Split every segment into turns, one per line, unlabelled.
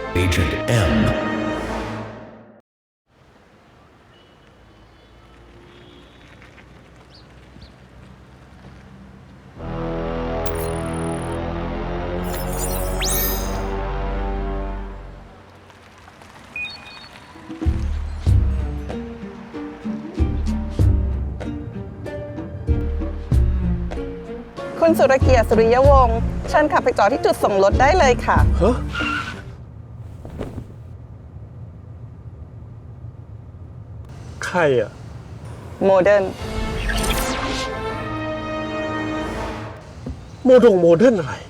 Agent M.
คุณสุรเกียรติ สุริยวงศ์เชิญขับไปจอดที่จุดส่งรถได้เลยค่ะ
ฮะใครอะ
โมเดิร์น
โมเดิร์นอะไร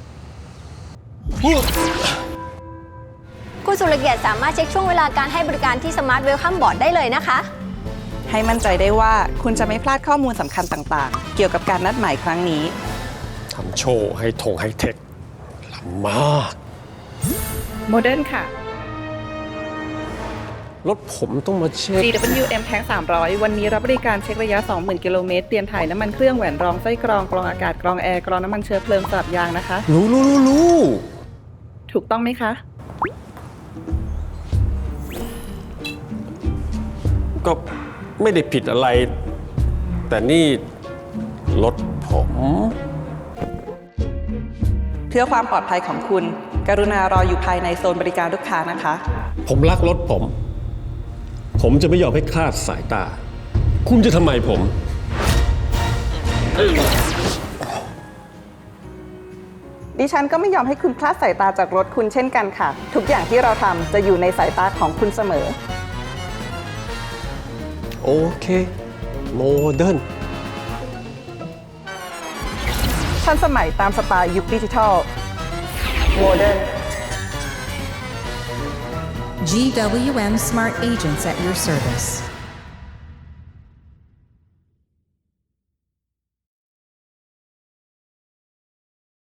คุณสุรเกียรติสามารถเช็คช่วงเวลาการให้บริการที่สมาร์ทเวลคัมบอร์ดได้เลยนะคะ
ให้มั่นใจได้ว่าคุณจะไม่พลาดข้อมูลสำคัญต่างๆ เกี่ยวกับการนัดหมายครั้งนี้
ทำโชว์ให้ไฮเทคล้ำมาก
โมเดิร์นค่ะ
รถผมต้องมาเช็ค
GWM แท้ง300 วันนี้รับบริการเช็คระยะ 20,000 กิโลเมตรเตรียมถ่ายน้ำมันเครื่องแหวนรองไส้กรองกรองอากาศกรองแอร์กรองน้ำมันเชื้อเพลิงสลับยางนะคะ
รู้
ถูกต้องไหมคะ
ก็ไม่ได้ผิดอะไร แต่นี่รถผม
เพื่อความปลอดภัยของคุณ กรุณารออยู่ภายในโซนบริการลูกค้านะคะ
ผมรักรถผม ผมจะไม่ยอมให้คลาดสายตา คุณจะทำไมผม
ดิฉันก็ไม่ยอมให้คุณคลาดสายตาจากรถคุณเช่นกันค่ะ ทุกอย่างที่เราทำจะอยู่ในสายตาของคุณเสมอ
โอเค โมเดิร์น
ทันสมัยตามสไตล์ยุคดิจิทัล โมเดิร์น
GWM Smart Agents at your service.